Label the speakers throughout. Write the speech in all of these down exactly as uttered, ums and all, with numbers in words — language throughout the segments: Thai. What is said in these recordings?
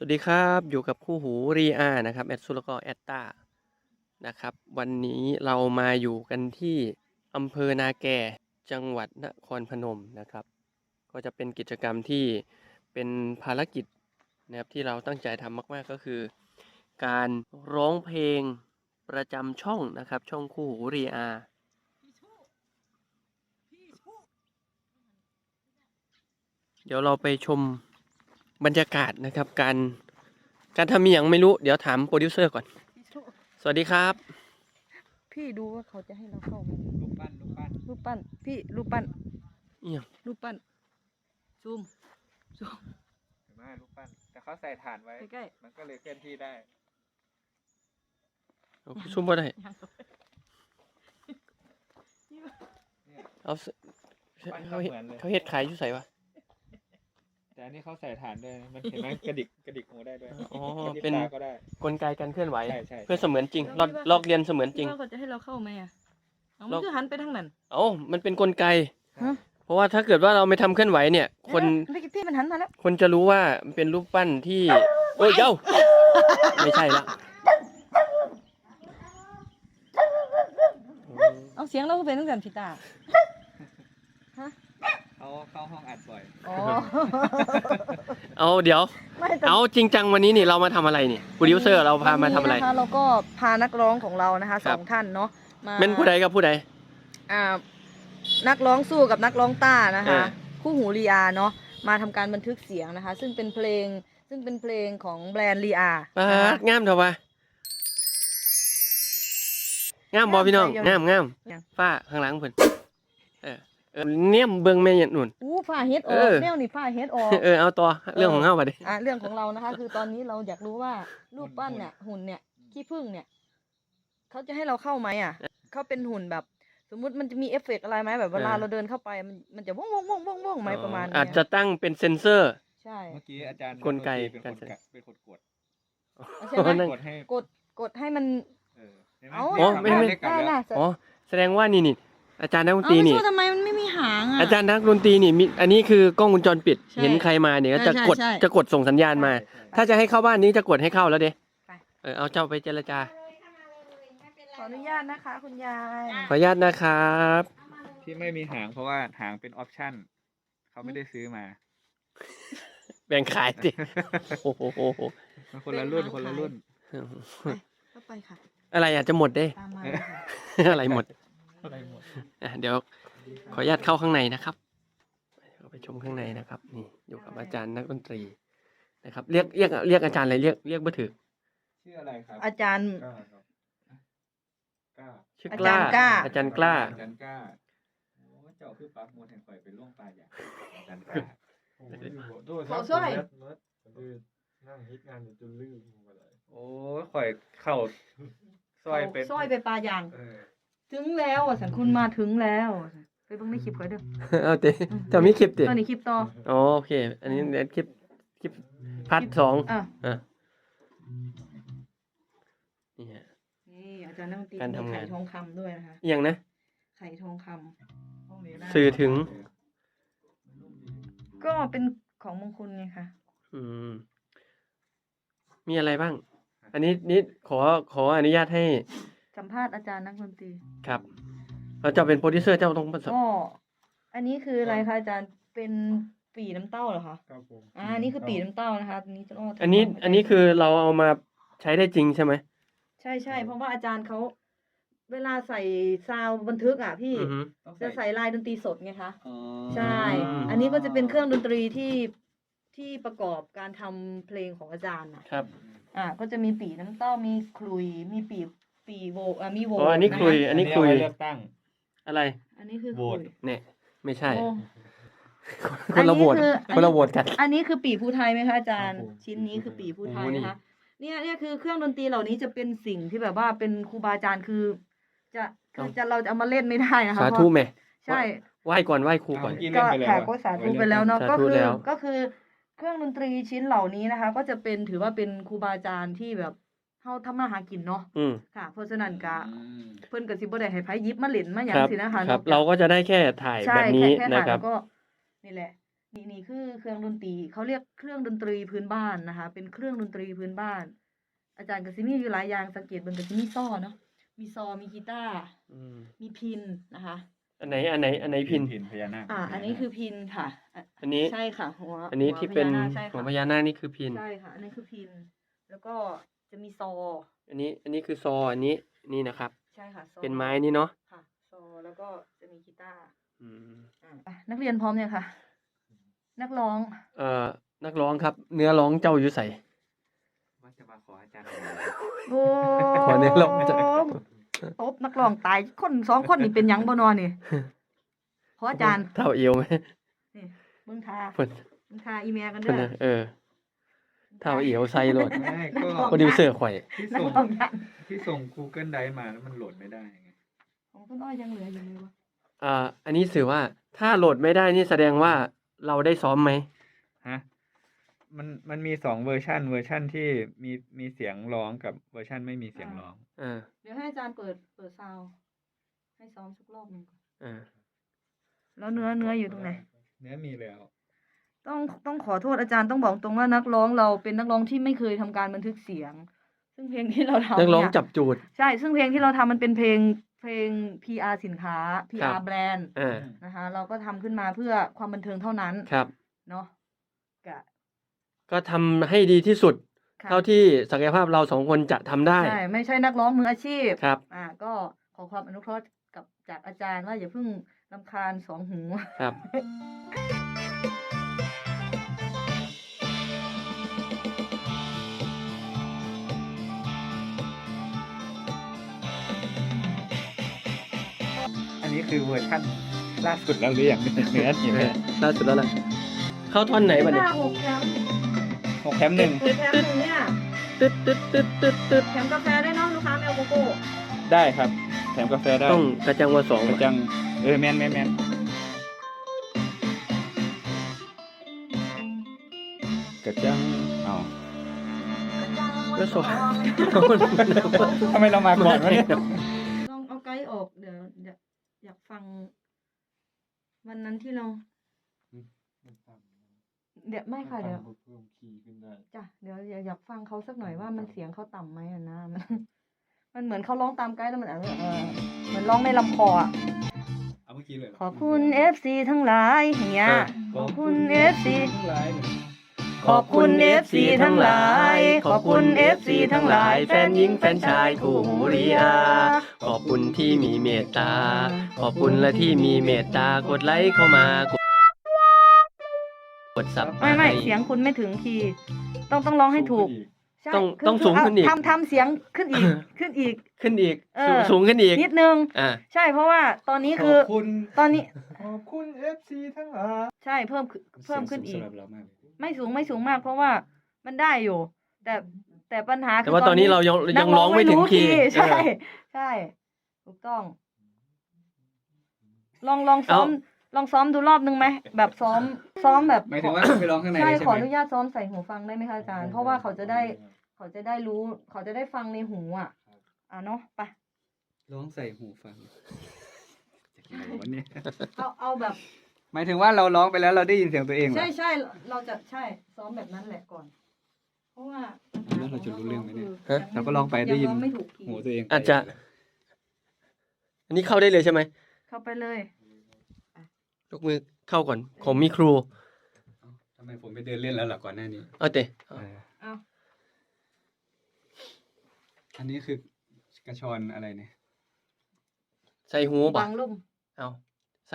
Speaker 1: วัสดีครับอยู่กับคู่หูรีอานะครับแอดซูแล้วก็แอดตานะครับวันนี้เรามาอยู่กันที่อำเภอนาแกจังหวัดนครพนมนะครับก็จะเป็นกิจกรรมที่เป็นภารกิจนะครับที่เราตั้งใจทำมากๆก็คือ การร้องเพลงประจำช่องนะครับช่องคู่หูรีอาเดี๋ยวเราไปชมบรรยากาศนะครับการการทำมีอย่างไม่รู้เดี๋ยวถามโปรดิวเซอร์ก่อนสวัสดีครับ
Speaker 2: พี่ดูว่าเขาจะให้เราเข้าไหม
Speaker 3: รูปปั้นรูปปั้น
Speaker 2: รูปปั้นพี่รูปปั้น
Speaker 1: เอี่ยม
Speaker 2: รูปปั้นซูมซูม
Speaker 3: เห็นไหมรูปปั้นแต่เขาใส่ถ่านไว้
Speaker 2: ใกล้
Speaker 3: มันก็เลยเคลื่อนที่ได้
Speaker 1: เอาซุ่มบ่ได้
Speaker 2: ๆยัง
Speaker 3: เนี่ย
Speaker 1: เอาส
Speaker 3: ปั้น
Speaker 1: เขา
Speaker 3: เขา
Speaker 1: เฮ็ด
Speaker 3: เหมือนเลย
Speaker 1: เขาเฮ็ดขายอยู่ไสวะ
Speaker 3: แต่อันนี้เขาใส่ถ่านด้วยมันเห็นไหมกระดิกกระดิกหูได้ด้วย
Speaker 1: อ๋อก
Speaker 3: ระดิก
Speaker 1: เป็น
Speaker 3: ตาก็ได้
Speaker 1: กลไกการเคลื่อนไหว
Speaker 3: ใช่ใช่
Speaker 1: เพื่อเสมือนจริงลอกลอกเรียนเสมือนจริง
Speaker 2: พี่ว่าเขาจะให้เราเข้าไหมอ่ะเอา
Speaker 1: เรา
Speaker 2: มันคือหันไปทางนั้น
Speaker 1: เอ้ามันเป็นกลไก
Speaker 2: ฮะ
Speaker 1: เพราะว่าถ้าเกิดว่าเราไม่ทำเคลื่อนไหวเนี่ย คน
Speaker 2: เดี๋ยวๆพี่มันหันมาแล้ว
Speaker 1: คนจะรู้ว่ามันเป็นรูปปั้นที่โอ้ยเจ้า ไม่ใช่ละ
Speaker 2: เอาเสียงเราก็เป็นตั้งแต่พี่ตาฮะ
Speaker 3: เขาเข้าห้องอัดบ่อย
Speaker 2: อ๋อ
Speaker 1: เอาเดี๋ยว
Speaker 2: ไม่แต่
Speaker 1: เอาจริงจังวันนี้นี่เรามาทำอะไรนี่โปรดิวเซอร์เราพามาทำอะไร
Speaker 2: วันนี้นะคะเราก็พานักร้องของเรานะคะ
Speaker 1: ค
Speaker 2: ส
Speaker 1: รับ
Speaker 2: องท่านเนาะมา
Speaker 1: เป็นผู้ใดกับผู้ใด
Speaker 2: อ่านักร้องสู้กับนักร้องต้านะคะ
Speaker 1: อ่า
Speaker 2: คู่หูรีอาเนาะมาทำการบันทึกเสียงนะคะ ซึ่งเป็นเพลงซึ่งเป็นเพลงของแบรนด์รีอา
Speaker 1: ปา
Speaker 2: นะคะ
Speaker 1: ดงามเถอะวะงามบอพี่น้อง
Speaker 2: งามใจ
Speaker 1: งามงาม
Speaker 2: ยัง
Speaker 1: ฝ้าข้างหลังเพิ่นเออเออเนี่ยเบิ่งแม่ยันนุ่น
Speaker 2: อู้ผ้าเฮ็ดอ
Speaker 1: เอ
Speaker 2: อก
Speaker 1: อ
Speaker 2: แนวนี่ผ้าเฮ็ดออก
Speaker 1: เออเอาต่อเรื่องของเฮาบัดนี้
Speaker 2: อ่ะเรื่องของเรานะคะ คือตอนนี้เราอยากรู้ว่ารูปปั้นเนี่ยหุ่นเนี่ยขี้ผึ้งเนี่ยเขาจะให้เราเข้าไหมอ่ะเขาเป็นหุ่นแบบ สมมุติมันจะมีเอฟเฟกต์อะไรไหมแบบเวลา
Speaker 1: เออ
Speaker 2: เราเดินเข้าไปมันมันจะว่องว่องว่องว่องว่องไหมประมาณเนี้ย
Speaker 1: อาจจะตั้งเป็นเซ็นเซอร์
Speaker 2: ใช่
Speaker 3: เมื่อกี้อาจารย์
Speaker 1: กลไก
Speaker 3: เป็นคน
Speaker 1: การ
Speaker 3: กะเป็นคนกด
Speaker 2: ใช่ไหม
Speaker 1: นั่น
Speaker 3: กดให้
Speaker 2: กดกดให้มัน
Speaker 3: เออเห็นไหม
Speaker 2: เอา
Speaker 1: อ๋อไม่ไม่
Speaker 3: ด้กลับ
Speaker 2: ได้
Speaker 3: แล้ว
Speaker 2: น่ะ
Speaker 1: อ๋อแสดงว่านี่นี่อาจารย์นักดน
Speaker 2: เอา
Speaker 1: ตรี
Speaker 2: ไม่
Speaker 1: นี่
Speaker 2: ใช่ทำไมมันไม่มีหางอ่ะ
Speaker 1: อาจารย์นักดนตรีนี่มีอันนี้คือกล้องวงจรปิด
Speaker 2: ใช่
Speaker 1: เห็นใครมาเนี่ยก็จะ
Speaker 2: ใช่
Speaker 1: กด
Speaker 2: ใช่
Speaker 1: จะกดส่งสัญญาณมา
Speaker 3: ใช่
Speaker 1: ถ้าจะให้เข้าบ้านนี้จะกดให้เข้าแล้วเด้
Speaker 2: ไป
Speaker 1: เออเอาเจ้าไปเจรจา
Speaker 2: ขออนุญาตนะคะ คุณยาย
Speaker 1: ขออนุญาตนะครับ
Speaker 3: ที่ไม่มีหางเพราะว่าหางเป็นออปชั่นเขาไม่ได้ซื้อมา
Speaker 1: แบ่งขายดิโอ้โห
Speaker 3: มันคนละรุ่นคนละรุ่น
Speaker 2: เข้าไปค่ะ
Speaker 1: อะไรอาจจะหมดเด้
Speaker 2: ตามมาเลยค่ะ
Speaker 1: อะไรหมด
Speaker 3: อะไรหมด
Speaker 1: อ่ะเดี๋ยวขออนุญาตเข้าข้างในนะครับเข้าไปชมข้างในนะครับ นี่อยู่กับอาจารย์นักดนตรีนะครับ เรียกเรียกเรียกอาจารย์อะไรเรียกเรียกบ่ถือ
Speaker 3: ชื่ออะไรครับ
Speaker 2: อาจารย์
Speaker 3: กล้าครับกล้า
Speaker 1: ชื่อกล้า
Speaker 2: อาจารย์กล้า
Speaker 1: อาจารย์กล้า
Speaker 3: อาจารย์กล้าโอ้เจ้าคือปักมวลแห่งข่อยเป็นล่วงปลาอย่างอาจารย์กล้า
Speaker 2: เขาช่วย
Speaker 4: นั่งฮิตงานอยู่จนลืมไปเลย
Speaker 3: โอ้ยข่อยเข่าซอยเป็น
Speaker 2: ซอยไปปลาอย่าง
Speaker 3: เออ
Speaker 2: ถึงแล้วอ่ะสันคุณมาถึงแล้วไปเบิ่งในคลิปเขาเด้อ
Speaker 1: เอาเตจะมีคลิปติ
Speaker 2: ตอนนี้คลิปต่อ
Speaker 1: อ๋อโอเค อันนี้เดี๋ยวคลิปคลิปพาร์ทสอง
Speaker 2: อ่ะ
Speaker 1: อ่ะนี่ฮะ
Speaker 2: นี่อาจารย์นักดนตรี
Speaker 1: การทำงาน
Speaker 2: มีไข่ทองคำด้วยนะคะ
Speaker 1: อหย่างนะ
Speaker 2: ไข่ทองคำ
Speaker 3: ห้องนี้น่า
Speaker 1: สื่อถึง
Speaker 2: ก็เป็นของมงคลไงคะ
Speaker 1: อืม มีอะไรบ้าง อันนี้นี่ขอขออนุญาตให้
Speaker 2: สัมภาษณ์อาจารย์นักดนตรี
Speaker 1: ครับเราจะเป็นโปรดิวเซอร์เจ้าต้องประสบ
Speaker 2: ก็อันนี้คืออะไรคะอาจารย์เป็นปีน้ำเต้าเหรอคะ
Speaker 4: ครับผม
Speaker 2: อ่านี่คือปีน้ำเต้านะคะอันนี้จะอ้อ
Speaker 1: อันนี้อันนี้คือเราเอามาใช้ได้จริงใช่ไหม
Speaker 2: ใช่ใช่เพราะว่าอาจารย์เขาเวลาใส่ซาวด์บันทึกอ่ะพี่
Speaker 1: อือฮึ
Speaker 3: ต้อง
Speaker 2: จะใส่ลายดนตรีสดไงคะ
Speaker 3: อ๋อ
Speaker 2: ใช่ อันนี้ก็จะเป็นเครื่องดนตรีที่ที่ประกอบการทำเพลงของอาจารย์น่ะ
Speaker 1: ครับ
Speaker 2: อ่า ก็จะมีปีน้ำเต้า มีคลุย มีปีปีโวอ่ามีโว
Speaker 1: อ๋ออันนี้
Speaker 2: ะะ
Speaker 1: คลุย อันนี้คุย
Speaker 3: เอาไว้เลือกตั้ง
Speaker 1: อะไร
Speaker 2: อันนี้คือ
Speaker 3: โหว
Speaker 2: ค
Speaker 3: ต
Speaker 2: ลุย
Speaker 1: เนี่ย ไม่ใช่
Speaker 2: โอ้
Speaker 1: คนละโหวต
Speaker 2: อันนี้คือ
Speaker 1: คนละโหวตกัน
Speaker 2: อันนี้คือปีภูไทยไหมคะอาจารย์ ชิ้นนี้คือปีภูไทย
Speaker 1: โอ้นี่
Speaker 2: นะคะ เนี่ยเนี่ยคือเครื่องดนตรีเหล่านี้จะเป็นสิ่งที่แบบว่าเป็นครูบาอาจารย์คือ จะคือจะเราจะเอามาเล่นไม่ได้นะคะ
Speaker 1: สา
Speaker 2: เพ
Speaker 1: ธุ
Speaker 2: ราะ
Speaker 1: แม่
Speaker 2: ใช่
Speaker 1: ไหว้ก่อนไหว้ครูก่อน
Speaker 3: เมื่อกี้
Speaker 2: ก็
Speaker 3: เล่นไปแล้ว
Speaker 2: ค่ะ
Speaker 3: อะ
Speaker 2: ก็สาธุไปแล้วเนาะ
Speaker 1: สาธุ
Speaker 2: ก็คือ
Speaker 1: แล้ว
Speaker 2: ก็คือเครื่องดนตรีชิ้นเหล่านี้นะคะ ก็จะเป็นถือว่าเป็นครูบาอาจารย์ที่แบบเฮาทำมาหากินเนาะ
Speaker 1: อืม
Speaker 2: ค่ะ เพราะฉะนั้นก็
Speaker 3: อืม
Speaker 2: เพิ่นก็สิบ่ได้ให้ไผหยิบมาเล่นมาหยั
Speaker 1: ค
Speaker 2: ง
Speaker 1: รับ
Speaker 2: สินะคะ
Speaker 1: ครับ
Speaker 2: นอกจก
Speaker 1: เราก็จะได้แค่ถ่าย
Speaker 2: ใช่
Speaker 1: แบบนี้
Speaker 2: แค่
Speaker 1: นะ
Speaker 2: ถ่าย
Speaker 1: ครั
Speaker 2: แล้
Speaker 1: บ
Speaker 2: วก็นี่แหละนี่นี่คือเครื่องดนตรีเขาเรียกเครื่องดนตรีพื้นบ้านนะคะ เป็นเครื่องดนตรีพื้นบ้าน อาจารย์ก็สิมีอยู่หลายอย่างสังเกตเบิ่งก็สิมีซ้อเนาะมีซอมีกีตาร์
Speaker 1: อืม
Speaker 2: มีพินนะคะ
Speaker 1: อันไหนอันไหนอันไหนพิน
Speaker 3: พินพญานาค
Speaker 2: อ่า อันนี้คือพินค่ะอ่ะ
Speaker 1: อันนี้
Speaker 2: ใช่ค่ะหัว
Speaker 1: อันนี้
Speaker 2: หัว
Speaker 1: ที่เป็น
Speaker 2: พญาาคใช่
Speaker 1: หัว
Speaker 2: ค่ะ
Speaker 1: พญานาคนี่คือพิน
Speaker 2: ใช่ค่ะ อันนี้คือพิน แล้วก็จะมีซอ
Speaker 1: อันนี้อันนี้คือซออันนี้นี่นะครับ
Speaker 2: ใช่ค่ะซอ
Speaker 1: เป็นไม้นี่เนาะ
Speaker 2: ค่ะซอแล้วก็จะมีกีตาร์
Speaker 1: อืม
Speaker 2: อ่ะไปนักเรียนพร้อมเนี่ยงค่ะ นักร้อง
Speaker 1: เอ่อนักร้องครับ เนื้อร้องเจ้าอยู่ใส่
Speaker 3: ว่าจะมาขออาจารย์
Speaker 2: โอ้
Speaker 1: ขอเนื้อร้องจะ
Speaker 2: ตบนักร้องตายคนสองคนนี่เป็นหยังบ่นอนี่ขออาจารย์
Speaker 1: เท่าเอวไหม
Speaker 2: นี่เบิ่งทา
Speaker 1: เพิ่น
Speaker 2: เบิ่งทาอีเมลกัน
Speaker 1: เพิ่
Speaker 2: เด้
Speaker 1: น
Speaker 2: อ
Speaker 1: น่ะเออเท่าเอวใส่โหลด
Speaker 3: ไม่ก็
Speaker 2: นักร้อง
Speaker 1: โปรดิวเซอร์ข่อย
Speaker 3: ที่
Speaker 2: นัก
Speaker 3: ส่ง
Speaker 2: ร้องยัน
Speaker 3: ที่ส่ง Google Drive มาแล้วมันโหลดไม่ได้ไง
Speaker 2: ของต้นอ้อยยังเหลืออยู่เลยวะ
Speaker 1: อ่า อันนี้สื่อว่าถ้าโหลดไม่ได้นี่แสดงว่าเราได้ซ้อมไหม
Speaker 3: ฮะ มันมันมีสองเวอร์ชันเวอร์ชันที่มีมีเสียงร้องกับเวอร์ชันไม่มีเสียงร้อง
Speaker 1: อ่า
Speaker 2: เดี๋ยวให้อาจารย์เปิดเปิดซาวด์ให้ซ้อมสักรอบหนึงก่อน
Speaker 1: อ่า
Speaker 2: แล้วเนื้อเนื้ออยู่ตรงไหน
Speaker 3: เนื้อมีแล้ว
Speaker 2: ต้องต้องขอโทษอาจารย์ต้องบอกตรงว่านักร้องเราเป็นนักร้องที่ไม่เคยทำการบันทึกเสียง ซึ่งเพลงที่เราทำ
Speaker 1: นักร้อง
Speaker 2: เนี่ย
Speaker 1: จับจูด
Speaker 2: ใช่ ซึ่งเพลงที่เราทำมันเป็นเพลงเพลง พี อาร์ สินค้า พี
Speaker 1: ครั
Speaker 2: อาร์
Speaker 1: บ
Speaker 2: แบรนด์
Speaker 1: อ่า
Speaker 2: นะคะ เราก็ทำขึ้นมาเพื่อความบันเทิงเท่านั้น
Speaker 1: ครับ
Speaker 2: เนาะกะ
Speaker 1: ก็ทำให้ดีที่สุด
Speaker 2: ค่ะ
Speaker 1: เท่าที่ศักยภาพเราสองคนจะทำได้
Speaker 2: ใช่ ไม่ใช่นักร้องมืออาชีพ
Speaker 1: ครับ
Speaker 2: อ่าก็ขอความอนุเคราะห์กับจากอาจารย์ว่าอย่าเพิ่งรำคาญสองหู
Speaker 1: ครับ
Speaker 3: อันนี้คือเวอร์ชันล่าสุดแล้วหรือยังเนี่ยเนื้อนี่เนี่ย
Speaker 1: ล่าสุดแล้วล่ะ เข้าท่อนไหนบัดเนี่ย
Speaker 2: ห้าหกแถม
Speaker 3: หกแถมหนึ่ง
Speaker 2: หกแถมหนึ่งเนี่ย
Speaker 1: ตึ๊ดตึ๊ดตึ๊ดตึ๊ดตึ๊ด
Speaker 2: แถมกาแฟได้วยเนาะลูกค้าไม่เอาโกโก้
Speaker 3: ได้ครับ แถมกาแฟได้
Speaker 1: ต้องกระจังว่าสอง
Speaker 3: กระจัง เออแมนแมนแมนกระจังอ้าว
Speaker 1: ก็สอง
Speaker 3: ทำไมเรามาก่อนวะเนี่ย
Speaker 2: ลองเอาไกด์ออกเดี๋ยวอยากอยากฟัง วันนั้นที่เรา
Speaker 4: มันต่ำ
Speaker 2: เดี๋ยวไม่ค่ะเดี๋ยว
Speaker 4: มันต่ำกาเพิ่มคีย์ขึ้นได้
Speaker 2: จ้ะเดี๋ยวอยากอยากฟังเขาสักหน่อยว่ามันเสียงเขาต่ำไหมอะนะ มันมันเหมือนเขาร้องตามไกด์แล้วมันเออเออเหมือนร้องในลำคออะ
Speaker 3: เอาเมื่อกี้เลยเหรอ
Speaker 2: ขอบคุณ เอฟ ซี ทั้งหลายอย่างเงี้ยขอบคุณ เอฟ ซี
Speaker 3: ทั้งหลายเนี่ย
Speaker 2: ขอบคุณ เอฟ ซี ทั้งหลาย ขอบคุณ เอฟ ซี ทั้งหลาย
Speaker 1: แฟนหญิงแฟนชายคู่หูรีอาขอบคุณที่มีเมตตา ขอบคุณและที่มีเมตตากดไลค์เข้ามากดกดซับ
Speaker 2: ไม่ไม่เสียงคุณไม่ถึงคีย์ต้องต้องร้องให้ถูก ใช่
Speaker 1: ต้อง
Speaker 2: คือ
Speaker 1: ต้อง
Speaker 2: คือ
Speaker 1: สูงขึ้นอีก
Speaker 2: ทำทำเสียงขึ้นอีก ขึ้นอีก
Speaker 1: ขึ้นอีก
Speaker 2: เอ
Speaker 1: สูง
Speaker 2: อ
Speaker 1: สูงขึ้นอีก
Speaker 2: นิดนึง
Speaker 1: อ่า
Speaker 2: ใช่เพราะว่าตอนนี้
Speaker 3: ข
Speaker 2: คือ
Speaker 3: อบคุณ
Speaker 2: ตอนนี้
Speaker 4: ขอบคุณ เอฟ ซี ทั้งหลาย
Speaker 2: ใช่เพิ่มขึ้นเพิ่มขึ้นอีก
Speaker 3: สำหรับเรามากเลย
Speaker 2: ไม่สูงไม่สูงมาก เพราะว่ามันได้อยู่ แต่แต่ปัญหาคื
Speaker 1: แต่ว่าตอนนี้เรายังยังร้องไม่ถึงคีย์
Speaker 2: ใช่
Speaker 1: เออ
Speaker 2: ใช่ถูกต้อง ลองลองซ้อมลองซ้อมดูรอบนึงไหมแบบซ้อมซ้อมแบบ
Speaker 3: หมายถึงว่าไปร้องข้างใน
Speaker 2: ใช่
Speaker 3: เลยใช่
Speaker 2: ขอ
Speaker 3: ไห
Speaker 2: อ
Speaker 3: ม
Speaker 2: นุญาตซ้อมใส่หูฟังได้ไหมคะอาจารย์ เพราะว่าเขาจะได้เขาจะได้รู้ เขาจะได้ฟังในหูอ่ะ อ่ะเนาะไป
Speaker 3: ร้องใส่หูฟังจากไหนวะเนี่ย
Speaker 2: เอาเอาแบบ
Speaker 3: หมายถึงว่าเราร้องไปแล้วเราได้ยินเสียงตัวเองเหรอ
Speaker 2: ใช่ใช่เราจะใช่ซ้อมแบบนั้นแหละก่อน เพราะว่า
Speaker 3: แล้วเราจะรู้เรื่องไหมเนี่ย
Speaker 2: คือ
Speaker 3: เราก็ร้องไปได้ยิน
Speaker 2: งร้องไม่ถูกคีย์
Speaker 3: หูตัวเอง
Speaker 1: อาจจะ อันนี้เข้าได้เลยใช่ไหม
Speaker 2: เข้าไปเลย
Speaker 1: ยกมือเข้าก่อนผมมีครู
Speaker 3: เอ้าทำไมผมไปเดินเล่นแล้วล่ะก่อนหน้านี้
Speaker 1: เอาเตะ
Speaker 3: เออ
Speaker 2: เอา
Speaker 3: อันนี้คือกระชอนอะไรเนี่ย
Speaker 1: ใส่หูบ่
Speaker 2: บังลุ่ม
Speaker 1: เอาใส่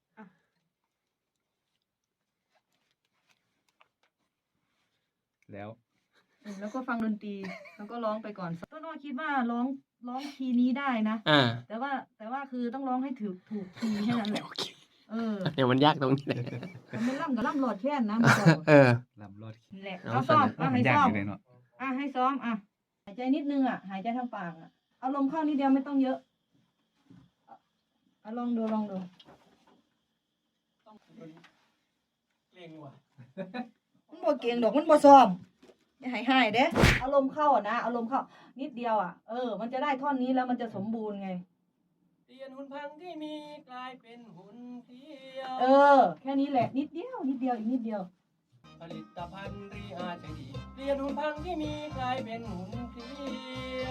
Speaker 3: แล้ว
Speaker 2: อืมแล้วก็ฟังดนตรี แล้วก็ร้องไปก่อนต้นอ้อคิดว่าร้องร้องคีย์นี้ได้นะ
Speaker 1: อ่า
Speaker 2: แต่ว่าแต่ว่าคือต้องร้องให้ถูกถูกคีย์แค่นั้นแหละ เออ
Speaker 1: เนี่ยมันยากตรงนี้แหละ
Speaker 2: มันไม่ล่ำกับล่ำหลอดแค่นนะมันบอก
Speaker 1: เออ
Speaker 3: ลำรอด
Speaker 2: นั่นแหละ
Speaker 1: เอา
Speaker 2: เอาซ้อม
Speaker 1: สั่น
Speaker 2: เอา
Speaker 3: มั
Speaker 2: ให้
Speaker 3: นยาก
Speaker 2: ซ้อ
Speaker 3: อ
Speaker 2: ม
Speaker 3: ยู่เลยเนาะ
Speaker 2: อ่ะให้ซ้อมอ่ะหายใจนิดนึงอ่ะ หายใจทางปากอ่ะเอาลมเข้านิดเดียวไม่ต้องเยอะเอาลองดูลองดู
Speaker 1: เก่งว่ะ
Speaker 2: มันบ่เก่งดอกมันบ่ซ้อมอย่าหายหายเด้อารมณ์เข้าอ่ะนะอารมณ์เข้า นิดเดียวอ่ะเออ มันจะได้ท่อนนี้แล้วมันจะสมบูรณ์ไง
Speaker 1: นเปลี่ยนหุ่นพังที่มีกลายเป็นหุ่นเพรียว
Speaker 2: เออ แค่นี้แหละนิดเดียวนิดเดียวอีกนิดเดียว
Speaker 1: ผลิตภัณฑ์รีอาใจดีเปลี่ยนหุ่นพังที่มีกลายเป็นหุ่นเพรียว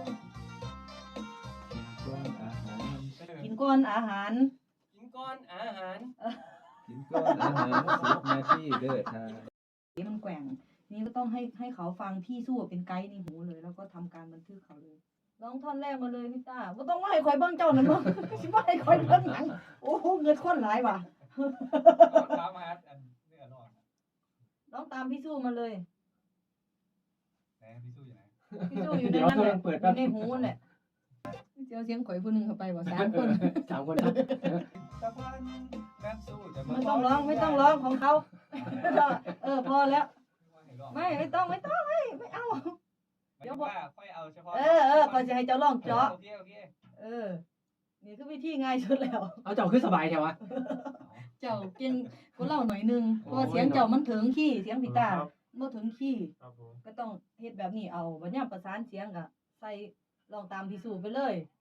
Speaker 3: ก้อนอาหาร
Speaker 2: กินก้อนอาหาร
Speaker 1: กินก้อนอาหาร
Speaker 3: กินก้อนอาหารสิบนาทีเด้อทา
Speaker 2: มันแกว่งนี่ก็ต้องให้ให้เขาฟังพี่สู้เป็นไกด์ในหูเลย แล้วก็ทำการบันทึกเขาเลยร้องท่อนแรกมาเลยพี่ต้าก็ต้องว่าให้คอยเบิ้งเจ้านั่นมั้ง สิว่าให้คอยเบิ้งหนังโอ้โหเงินคนหลายว่ะ
Speaker 3: ถามหาอันเนื้อร้อน
Speaker 2: ร้องตามพี่สู้มาเลย
Speaker 3: ไหนพี่สู้อยู่ไหน
Speaker 2: พี่สู้อยู่ในนั้นแหละอยู่ในหูนั่นแหละเจ้าเสียงข่อยผู้หนึงเข้าไปบ่สามคน
Speaker 1: สามคนครับ
Speaker 3: ตะพันนักสู้จะ
Speaker 2: ไม่ต้องร้องไม่ต้องร้องของเขา เออพอแล้ว ไม่ไม่ต้องไม่ต้องไม่ไม่เอา
Speaker 3: เดี๋ยวว่าค่อยเอาเฉพาะ
Speaker 2: เออเออคอยจะให้เจ้าร้องเจาะ
Speaker 3: โอเคโอเค
Speaker 2: เออ นี่คือวิธีง่ายสุดแล้ว
Speaker 1: เอาเจ้าขึ้นสบายใช่ไหม
Speaker 2: เจ้าเก่งกว่าเราหน่อยนึงเพราะว่าเสียงเจ้ามันถึงขี้เสียงพี่ตาบ่ถึงขี้
Speaker 4: ครับผม
Speaker 2: ก็ต้องเฮ็ดแบบนี้เอาบัดยามประสานเสียงก็ใส่ลองตามพี่สู่ไปเลย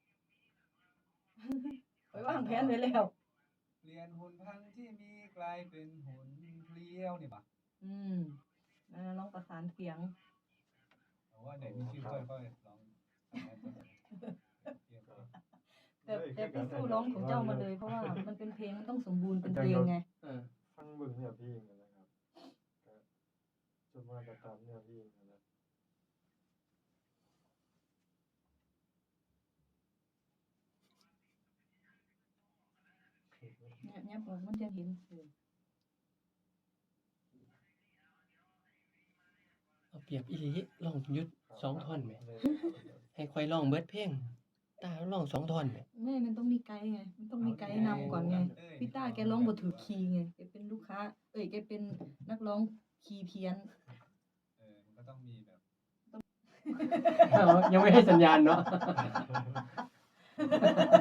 Speaker 2: ไปวางแผนไว้แล้ว
Speaker 3: เปลี่ยนหุ่นพังที่มีกลายเป็นหุ่นเพลียวนี่ปะ
Speaker 2: อืมนั่นน่ะลองประสานเสียง
Speaker 3: แต่ว่าไหนมีชื่อค่อยค่อยลอง
Speaker 2: แต่แต่พี่สู้ร้องของเจ้ามาเลย เพราะว่ามันเป็นเพลงมันต้องสมบูรณ์เป็นเพลงไง
Speaker 1: เออ
Speaker 4: ฟังเบึงเนี่ยพี่เองนะครับก็จนมากระตามเนี่ยพี่เองนะ
Speaker 2: เนี่ยเนี่ยบอกมันจะเห็นเออ
Speaker 1: เอาเปรียบอีหลีลองยุดสองท่อนไหมให้คอยลองเบิดเพลงตาลองสองท่อนไหม
Speaker 2: ไม่มันต้องมีไกด์ไง มันต้องมีไกด์นำก่อนไง พี่ต้าแกร้องบ่ถูกคีย์ไง แกเป็นลูกค้า เอ้ย แกเป็นนักร้องคีย์เพี้ยน
Speaker 3: เออมันก็ต้องมีแบบ
Speaker 1: ยังไม่ให้สัญญาณเนาะ